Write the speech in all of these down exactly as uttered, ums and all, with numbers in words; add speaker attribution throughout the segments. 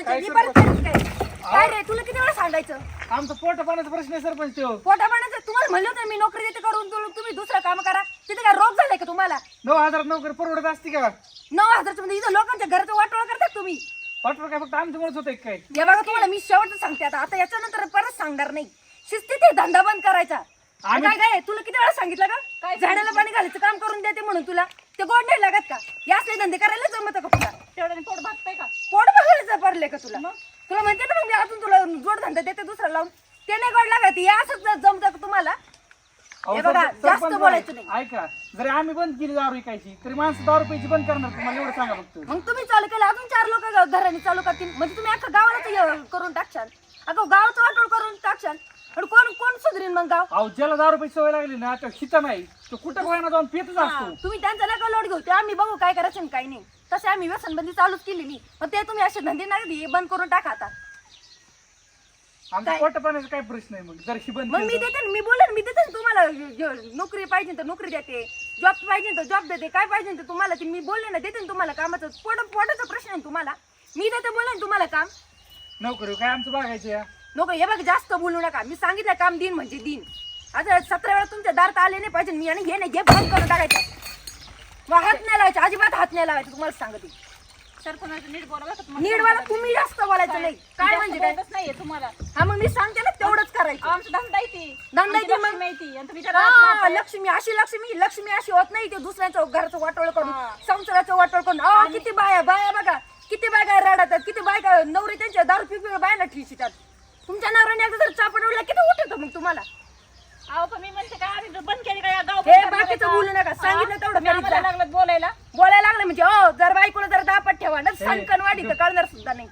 Speaker 1: करायचं मी परत करायचं काय काय रे तुला किती वेळा सांगायचं
Speaker 2: आमचा पोट पाण्याचा प्रश्न आहे सरपंच तो
Speaker 1: पोटा पाण्याचं तुम्हाला म्हणलं होतं मी नोकरी देते करून तुला तुम्ही दुसरं काम करा तिथे काय रोग झालाय का तुम्हाला
Speaker 2: नऊ हजार नोकरी परवडत असते का
Speaker 1: नऊ हजारच्या मध्ये इथं लोकांच्या घराचं वाटोळ करतात तुम्ही
Speaker 2: वाटवर काय फक्त आमच्यामुळेच होतंय काय
Speaker 1: हे बघा तुम्हाला मी शेवटचं सांगते आता आता याच्यानंतर परत सांगणार नाही शिस्तीत हे धंदा बंद करायचा काय काय तुला किती वेळा सांगितलं का काय झाडाला पाणी घालायचं काम करून देते म्हणून तुला ते गोड नाही लागत का या असले धंदे करायला जमत का तुला
Speaker 3: तेवढ्याने पोट भागतंय का
Speaker 1: पोट बघायला पडले का तुला तुला म्हणते ना मग मी अजून तुला जोड धंदा देते दुसरा लावून ते नाही गोड लागत हे असंच जमत का तुम्हाला हे बघा जास्त बोलायचं नाही
Speaker 2: ऐका जरी आम्ही बंद केली दारू विकायची तरी माणसं दारू प्यायची बंद करणार तुम्हाला एवढं सांगा फक्त
Speaker 1: मग तुम्ही चालू केलं अजून चार लोक घराने चालू करतील म्हणजे तुम्ही अख्खा गावाला करून टाकशाल अगं गावाचं वाटोळ करून टाकशाल पण कोण कोण सुधरीन मग गाव
Speaker 2: अहो ज्याला दारू प्यायची सवय लागली ना तो हिता नाही तो कुठं बघायला जाऊन पितच असतो
Speaker 1: तुम्ही त्यांचा नका लोट घेऊ ते आम्ही बघू काय करायचं आणि काय नाही तसे आम्ही व्यसनबंदी चालूच केलेली मग ते तुम्ही असे धंदे नाही बंद करून टाका आता
Speaker 2: आमचा पोट पाण्याचा काय प्रश्न आहे मग जर ही बंद
Speaker 1: मग मी देते ना, मी बोलेन मी देते ना तुम्हाला ज- नोकरी पाहिजे तर नोकरी देते जॉब पाहिजे तर जॉब देते काय पाहिजे तर तुम्हाला ते मी बोलले ना देते ना तुम्हाला कामाचं पोट पोटाचा प्रश्न आहे तुम्हाला मी देते बोलेन तुम्हाला काम
Speaker 2: नोकरी काय आमचं बघायचं या
Speaker 1: नोकरी हे बघ जास्त बोलू नका मी सांगितलं काम दिन म्हणजे दिन आता सतरा वेळा तुमच्या दारात आले नाही पाहिजे मी आणि हे नाही हे बंद करून टाकायचं मग हात नाही लावायचे अजिबात हात नाही लावायचे तुम्हाला सांगते
Speaker 3: सरपंच नीट बोला बरं का तुम्हाला.
Speaker 1: नीट वाला तुम्ही जास्त बोलायचं नाही काय म्हणजे काय
Speaker 3: बोलतच नाहीये तुम्हाला
Speaker 1: हा मग मी सांगते ना तेवढंच करायचं
Speaker 3: आमचं धंदा आहे ती
Speaker 1: धंदा आहे ती मग.
Speaker 3: माहिती आणि तुम्ही त्याला हात
Speaker 1: हा,
Speaker 3: मारताय.
Speaker 1: लक्ष्मी अशी लक्ष्मी लक्ष्मी अशी होत नाही ते दुसऱ्याचं घराचं वाटोळ करून
Speaker 3: हा.
Speaker 1: संसाराचं वाटोळ करून अहो किती बाया बाया बघा किती बायका रडतात किती बायका नवरी त्यांच्या दारू पिपी बायला ठिशितात तुमच्या नवऱ्याने एकदा जर चापडवला किती उठत मग तुम्हाला
Speaker 3: अहो पण मी म्हणते काय आम्ही बंद केली काय गाव
Speaker 1: हे बाकीचं बोलू नका सांगितलं तेवढं
Speaker 3: तुम्ही
Speaker 1: करीत
Speaker 3: आम्हाला
Speaker 1: जा.
Speaker 3: लागलं बोलायला
Speaker 1: बोलायला लागलं म्हणजे हो जर बायकोला जर दापट ठेवा ना सणकण वाढी तर कळणार सुद्धा नाही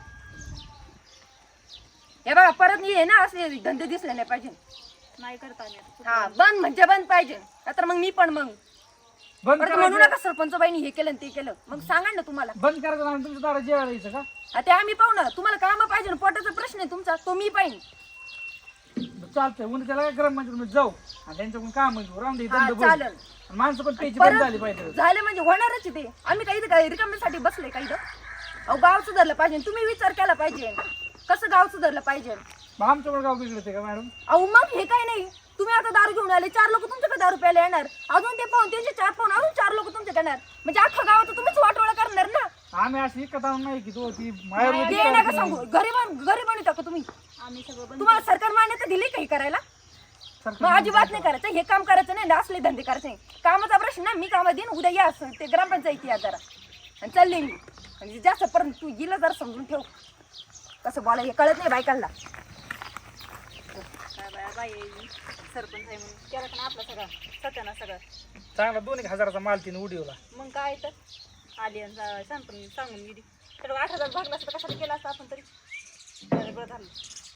Speaker 1: हे बघा परत ये ना असले धंदे दिसले नाही पाहिजे
Speaker 3: नाही करता आले आता.
Speaker 1: हा बंद म्हणजे बंद पाहिजे तर मग मी पण मग
Speaker 2: बंद
Speaker 1: परत म्हणू
Speaker 2: करायचं
Speaker 1: नका सरपंच बाईनी हे केलं आणि ते केलं मग सांगा ना तुम्हाला
Speaker 2: बंद करायचं आणि तुमच्या दारा जेवायला यायचं का
Speaker 1: हा, ते आम्ही पाहू ना तुम्हाला काम पाहिजे ना पोटाचा प्रश्न आहे तुमचा तो मी पाहिजे
Speaker 2: चालतंय उन्हा त्याला गरम म्हणजे जाऊ आणि त्यांच्याकडून काम घेऊ राहून दे
Speaker 1: हा,
Speaker 2: धंदा बंद.
Speaker 1: चालेल.
Speaker 2: आणि माणसं पण प्यायची बंद झाली पाहिजे
Speaker 1: परत झाले म्हणजे होणारच आहे ते आम्ही काही काय रिकाम्यासाठी बसले काही अहो गाव सुधारलं पाहिजे तुम्ही विचार केला पाहिजे कसं गाव सुधारलं पाहिजे
Speaker 2: मग आमच्याकडे गाव बिघडते का मॅडम
Speaker 1: अहो मग हे काय नाही तुम्ही आता दारू घेऊन आले चार लोक तुमच्याकडे दारू प्यायला येणार अजून ते पाहून त्यांचे चार पाहून अजून चार लोक तुमच्याकडे येणार म्हणजे अख्खा गावात तुम्हीच वाटोळा करणार ना
Speaker 2: आम्ही अशी एकत आणून नाही की तो ती
Speaker 1: ते
Speaker 2: मायावरती
Speaker 1: नका सांगू घरी बन घरी बनवता का तुम्ही
Speaker 3: आम्ही सगळं बंद
Speaker 1: तुम्हाला सरकार मान्यता दिली काही करायला मग अजिबात नाही करायचं हे काम करायचं नाही असले धंदे करायचे नाही कामाचा प्रश्न ना मी कामात देईन उद्या या असं ते ग्रामपंचायती या जरा आणि चालले मी म्हणजे जास्त पर्यंत तू गेलं जरा समजून ठेव कसं बोला हे कळत नाही बायकांना
Speaker 3: काय बाया बाई सरपंच आहे म्हणून केलं का ना आपला सगळा सत्याना सगळं
Speaker 2: चांगला दोन एक हजाराचा माल तिने उडीवला
Speaker 3: मग काय तर आली आणि जा- सांग पण सांगून गेली तर आठ हजार भागला असता कशाला केला असता आपण तरी बरं बरं झालं